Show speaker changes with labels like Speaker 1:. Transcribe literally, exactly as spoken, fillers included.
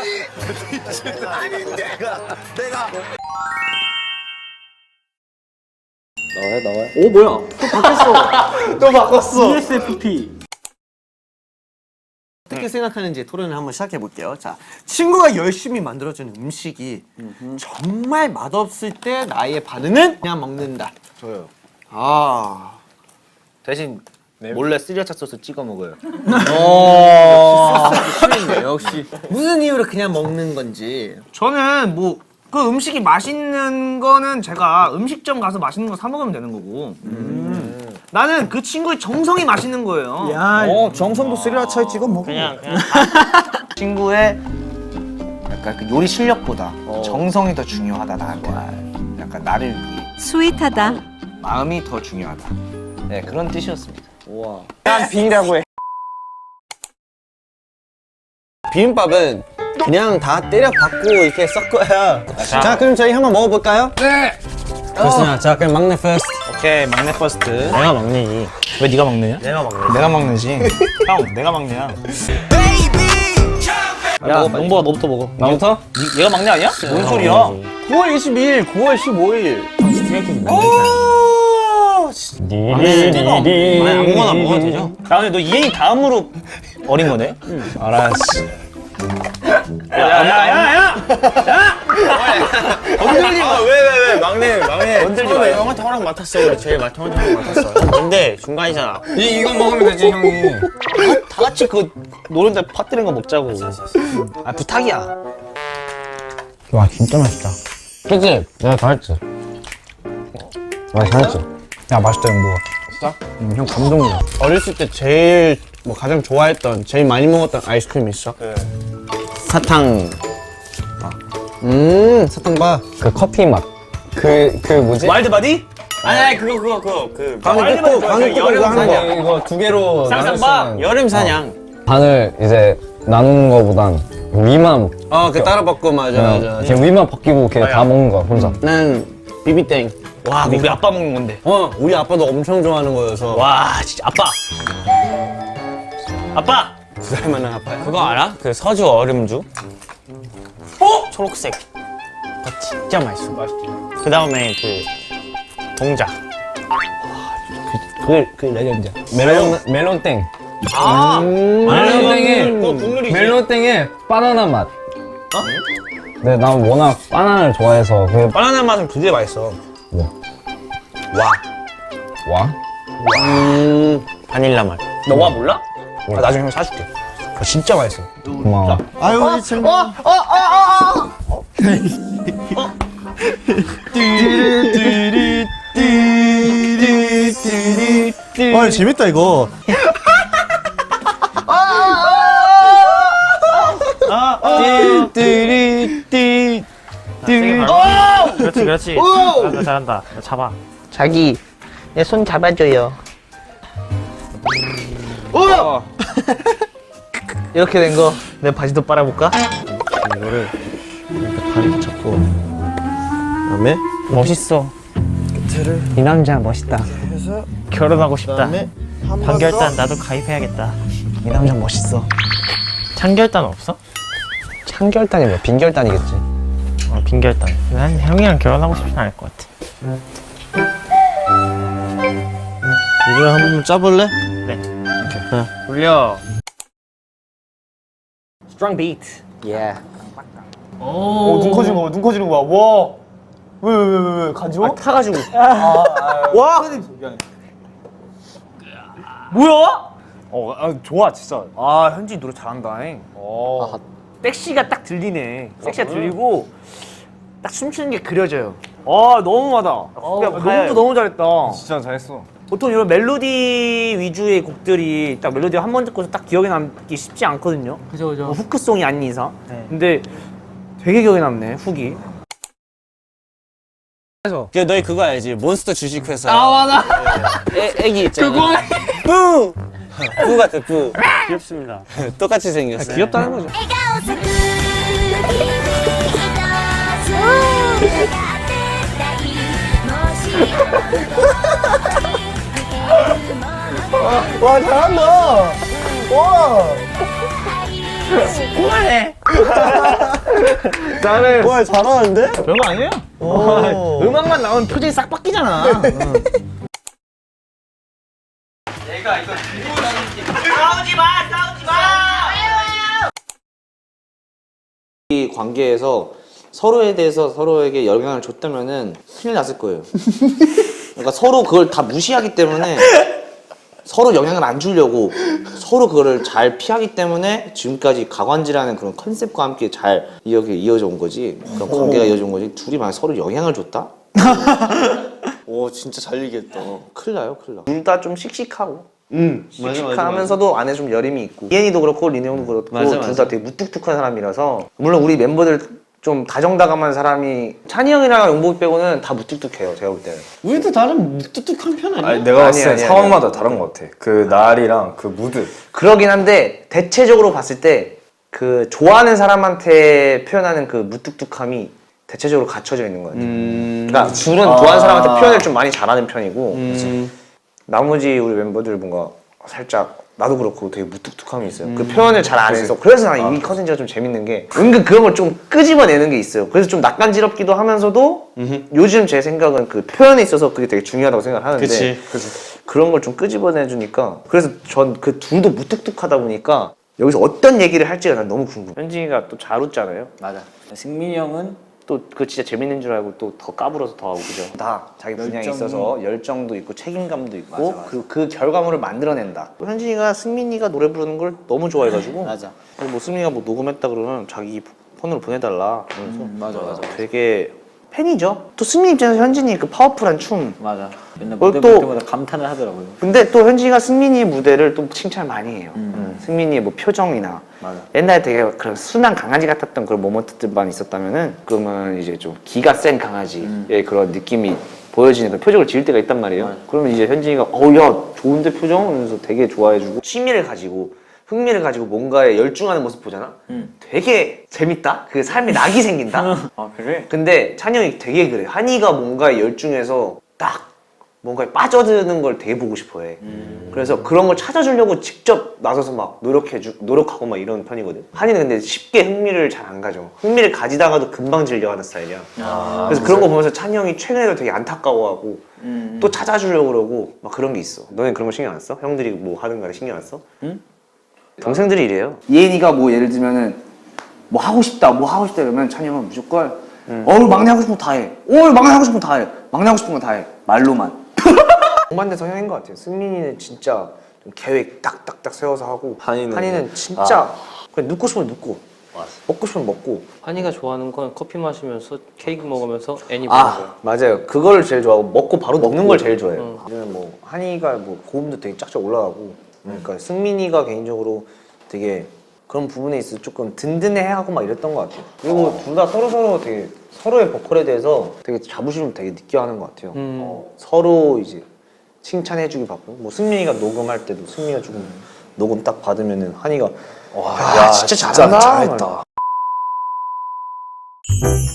Speaker 1: 아니 내가 내가
Speaker 2: 나와요 나와요.
Speaker 3: 오 뭐야? 또 바뀌었어.
Speaker 1: 또 바꿨어.
Speaker 3: 이에스에프피.
Speaker 1: 어떻게 생각하는지 토론을 한번 시작해 볼게요. 자, 친구가 열심히 만들어주는 음식이 정말 맛없을 때 나의 반응은 그냥 먹는다.
Speaker 2: 저요.
Speaker 1: 아,
Speaker 2: 대신 몰래 스리라차 소스 찍어 먹어요.
Speaker 1: 싫네 역시. 무슨 이유로 그냥 먹는 건지.
Speaker 3: 저는 뭐 그 음식이 맛있는 거는 제가 음식점 가서 맛있는 거 사 먹으면 되는 거고. 음. 나는 그 친구의 정성이 맛있는 거예요.
Speaker 1: 야,
Speaker 2: 어 정성도 스리라차에 찍어 먹어.
Speaker 3: 그냥 그냥 친구의 약간 그 요리 실력보다 정성이 더 중요하다 나한테. 약간 나를 위해
Speaker 4: 스윗하다.
Speaker 3: 마음이 더 중요하다. 네 그런 뜻이었습니다.
Speaker 2: 우와.
Speaker 5: 난 비라고 해. 비빔밥은 그냥 다 때려 박고 이렇게 섞어야. 자, 자 그럼 저희 한번 먹어볼까요? 네. 좋습니다. 자 그럼 막내 퍼스트.
Speaker 3: 오케이 막내 퍼스트. 내가 막내지. 왜 네가 막내냐? 내가 막내. 내가 막내지. 형 내가 막내야. 야 농보가 너부터 먹어.
Speaker 5: 나부터?
Speaker 3: 니, 얘가 막내 아니야? 뭔 소리야?
Speaker 5: 구월 이십이일, 구월 십오일.
Speaker 3: 아니 아무거나 먹어도 되죠? 야 근데 너 이행이 다음으로 어린 거네?
Speaker 5: 알았어.
Speaker 3: 야야야야!
Speaker 5: 건들지 마. 왜왜 왜? 막내 막내.
Speaker 3: 건들지 마.
Speaker 5: 형한테 허락 맡았어. 우리 제일 맡 형한테 허락 맡았어. 근데 중간이잖아.
Speaker 6: 이 이거 먹으면 되지 형이.
Speaker 3: 다 같이 그 노른자 퍼뜨린 거 먹자고. 아 부탁이야.
Speaker 5: 와 진짜 맛있다.
Speaker 6: 그치? 내가 다 했지. 아 잘했지.
Speaker 5: 야 맛있다 형부가.
Speaker 6: 진짜?
Speaker 5: 응, 형 감동이야. 어렸을 때 제일 뭐 가장 좋아했던 제일 많이 먹었던 아이스크림 있어?
Speaker 6: 사탕.
Speaker 5: 음 사탕바.
Speaker 6: 그 커피 맛. 그 그 뭐지?
Speaker 3: 와일드바디?
Speaker 5: 아니 아니 그거 그거 그거 그
Speaker 3: 방금
Speaker 5: 방금 뜯고 방금 뜯고 이거 하는 거.
Speaker 6: 이거 두 개로
Speaker 3: 쌍쌍바?
Speaker 5: 여름 사냥.
Speaker 6: 반을 이제 나누는 거보단 위만
Speaker 5: 어 그 따라 먹고 맞아 맞아.
Speaker 6: 어, 그냥 위만 벗기고 그냥 다 먹는 거야 혼자.
Speaker 5: 난 비비땡.
Speaker 3: 와 우리 아빠 먹는 건데.
Speaker 5: 어 우리 아빠도 엄청 좋아하는 거여서.
Speaker 3: 와 진짜 아빠. 아빠.
Speaker 5: 두 살 만한 아빠야.
Speaker 7: 그거 알아? 그 서주 얼음주?
Speaker 3: 어?
Speaker 7: 초록색. 그거 진짜 맛있어. 맛있지. 그 다음에 그 동자.
Speaker 5: 그게 그게 레전드야.
Speaker 6: 멜론 멜론땡.
Speaker 3: 아.
Speaker 6: 멜론땡에
Speaker 3: 그거 국룰이지.
Speaker 6: 멜론땡에 바나나 맛. 어? 네, 난 워낙 바나나를 좋아해서 그
Speaker 7: 바나나 맛은 되게 맛있어.
Speaker 6: 뭐?
Speaker 7: 와.
Speaker 6: 와?
Speaker 7: 음. 바닐라 맛.
Speaker 3: 너 와 몰라?
Speaker 7: 아, 나중에 형 사줄게. 그거 진짜 맛있어.
Speaker 6: 고마워.
Speaker 1: 아유 우리 친구.
Speaker 2: 아 재밌다 이거.
Speaker 5: 띠띠띠띠.
Speaker 7: 그렇지, 그렇지. 잘한다, 잘한다. 잡아.
Speaker 3: 자기 내 손 잡아줘요. 이렇게 된 거 내 바지도 빨아볼까?
Speaker 5: 이거를 이렇게 다리 잡고 그다음에
Speaker 7: 멋있어. 이 남자 멋있다. 결혼하고 싶다.
Speaker 5: 그다음에 한 번
Speaker 7: 판결단
Speaker 5: 더.
Speaker 7: 나도 가입해야겠다. 이 남자 멋있어. 참결단 없어?
Speaker 6: 참결단이 뭐야? 빈결단이겠지.
Speaker 7: 어, 빈결단. 난 형이랑 결혼하고 싶진 않을 것 같아.
Speaker 5: 이걸 한번 짜볼래?
Speaker 7: 돌려.
Speaker 3: Strong beat.
Speaker 1: 오눈 커지는 거, 눈 커지는 거야. 와. 왜 왜 왜 왜 간지러? 워
Speaker 3: 타가지고.
Speaker 1: 와.
Speaker 3: 뭐야?
Speaker 1: 어, 아, 좋아 진짜.
Speaker 3: 아 현진이 노래 잘한다잉.
Speaker 1: 어.
Speaker 3: 섹시가 딱 들리네. 섹시가 들리고 딱 춤추는 게 그려져요. 아 너무하다. 야, 너무 너무 잘했다.
Speaker 1: 진짜 잘했어.
Speaker 3: 보통 이런 멜로디 위주의 곡들이 딱 멜로디 한 번 듣고서 딱 기억에 남기 쉽지 않거든요. 그죠 그죠. 뭐 후크송이 아닌 이상. 근데 되게 기억에 남네 훅이.
Speaker 5: 야, 너희 그거 알지? 몬스터 주식회사.
Speaker 3: 아 맞아.
Speaker 5: 애, 애기 있잖아. 그거. 뿌. 뿌 같아 뿌.
Speaker 7: 귀엽습니다.
Speaker 5: 똑같이 생겼어.
Speaker 3: 귀엽다는 거죠.
Speaker 1: 와 잘한다. 와.
Speaker 3: 나는
Speaker 5: 와 잘하는데?
Speaker 3: 별거 아니에요. 음악만 나오면 표정이 싹 바뀌잖아.
Speaker 2: 이 관계에서 서로에 대해서 서로에게 영향을 줬다면은 큰일 났을 거예요. 그러니까 서로 그걸 다 무시하기 때문에 서로 영향을 안 주려고 서로 그거를 잘 피하기 때문에 지금까지 가관지라는 그런 컨셉과 함께 잘 이어게 이어져 온 거지. 그런 관계가 이어져 온 거지. 둘이 만약 서로 영향을 줬다?
Speaker 5: 오 진짜 잘 얘기했다.
Speaker 2: 큰일 나요, 큰일 나.
Speaker 3: 둘 다 좀 씩씩하고
Speaker 5: 음 맞아 맞아.
Speaker 3: 씩씩하면서도 안에 좀 여림이 있고 이엔이도 그렇고 리네 형도 그렇고
Speaker 5: 맞아,
Speaker 3: 둘
Speaker 5: 맞아.
Speaker 3: 다 되게 무뚝뚝한 사람이라서 물론 우리 멤버들 좀 다정다감한 사람이 찬이 형이랑 용복이 빼고는 다 무뚝뚝해요 제가 볼 때는.
Speaker 5: 우리도 다른 뚝뚝한 편 아니야?
Speaker 4: 아니 내가 봤을 때
Speaker 3: 아니야,
Speaker 4: 상황마다 다른 것 같아. 그 날이랑 그 무드.
Speaker 3: 그러긴 한데 대체적으로 봤을 때 그 좋아하는 사람한테 표현하는 그 무뚝뚝함이 대체적으로 갖춰져 있는 것 같아요.
Speaker 5: 음...
Speaker 3: 그러니까 둘은 좋아하는 사람한테 표현을 좀 많이 잘하는 편이고
Speaker 5: 음...
Speaker 3: 나머지 우리 멤버들 뭔가 살짝 나도 그렇고 되게 무뚝뚝함이 있어요. 그 표현을 잘 안 해서 그래서 난 이 컨텐츠가 좀 재밌는 게 은근 그런 걸 좀 끄집어내는 게 있어요. 그래서 좀 낯간지럽기도 하면서도 요즘 제 생각은 그 표현에 있어서 그게 되게 중요하다고 생각을 하는데
Speaker 5: 그치.
Speaker 3: 그런 걸 좀 끄집어내주니까 그래서 전 그 둘도 무뚝뚝하다 보니까 여기서 어떤 얘기를 할지가 난 너무 궁금해. 현진이가 또 잘 웃잖아요.
Speaker 7: 맞아. 승민이 형은
Speaker 3: 또 그 진짜 재밌는 줄 알고 또 더 까불어서 더 하고 그죠? 다 자기 분야에
Speaker 7: 열정이-
Speaker 3: 있어서 열정도 있고 책임감도 있고
Speaker 7: 맞아, 맞아.
Speaker 3: 그리고 그 결과물을 만들어낸다. 또 현진이가 승민이가 노래 부르는 걸 너무 좋아해가지고
Speaker 7: 맞아.
Speaker 3: 뭐 승민이가 뭐 녹음했다 그러면 자기 폰으로 보내달라. 그래서
Speaker 7: 맞아 맞아
Speaker 3: 되게 팬이죠. 또 승민 입장에서 현진이 그 파워풀한 춤.
Speaker 7: 맞아. 맨날
Speaker 3: 어,
Speaker 7: 무대
Speaker 3: 또-
Speaker 7: 볼 때마다 감탄을 하더라고요.
Speaker 3: 근데 또 현진이가 승민이 무대를 또 칭찬 많이 해요. 음. 승민이의 뭐 표정이나
Speaker 7: 맞아.
Speaker 3: 옛날에 되게 그런 순한 강아지 같았던 그런 모먼트들만 있었다면은 그러면 이제 좀 기가 센 강아지의 그런 느낌이 보여지는 그런 표정을 지을 때가 있단 말이에요. 그러면 이제 현진이가 어우 야 좋은데 표정? 이러면서 되게 좋아해주고 취미를 가지고 흥미를 가지고 뭔가에 열중하는 모습 보잖아? 되게 재밌다? 그 삶에 낙이 생긴다?
Speaker 7: 아 그래?
Speaker 3: 근데 찬이 형이 되게 그래. 한이가 뭔가에 열중해서 딱 뭔가에 빠져드는 걸 되게 보고 싶어 해. 그래서 그런 걸 찾아주려고 직접 나서서 막 노력해주, 노력하고 막 이런 편이거든. 한이는 근데 쉽게 흥미를 잘 안 가져. 흥미를 가지다가도 금방 질려하는 스타일이야. 그래서 그런 거 보면서 찬이 형이 최근에도 되게 안타까워하고 또 찾아주려고 그러고 막 그런 게 있어. 너네 그런 거 신경 안 써? 형들이 뭐 하든 간에 신경 안 써? 동생들이 이래요. 예인이가 뭐 예를 들면은 뭐 하고 싶다, 뭐 하고 싶다 이러면 찬이 형은 무조건 어우 막내 하고 싶은 거 다 해. 어우 막내 하고 싶은 거 다 해. 막내 하고 싶은 거 다 해. 말로만. 정반대 성향인 것 같아요. 승민이는 진짜 좀 계획 딱딱딱 세워서 하고
Speaker 4: 한이는-
Speaker 3: 진짜 그냥 눕고 싶으면 눕고 먹고 싶으면 먹고.
Speaker 8: 한이가 좋아하는 건 커피 마시면서 케이크 먹으면서 애니 보는 거야.
Speaker 3: 아 맞아요. 그거를 제일 좋아하고 먹고 바로 먹는 걸 제일 좋아해요. 요즘은 뭐 한이가 뭐 고음도 되게 짝짝 올라가고 그러니까 승민이가 개인적으로 되게 그런 부분에 있어서 조금 든든해하고 막 이랬던 것 같아요. 그리고 둘 다 서로 서로 되게 서로의 보컬에 대해서 되게 자부심을 되게 느껴하는 것 같아요. 어, 서로 이제 칭찬해주기 바쁘고 뭐 승민이가 녹음할 때도 승민이가 조금 녹음 딱 받으면은 한이가 와 야, 진짜 잘한다.
Speaker 4: 잘했다.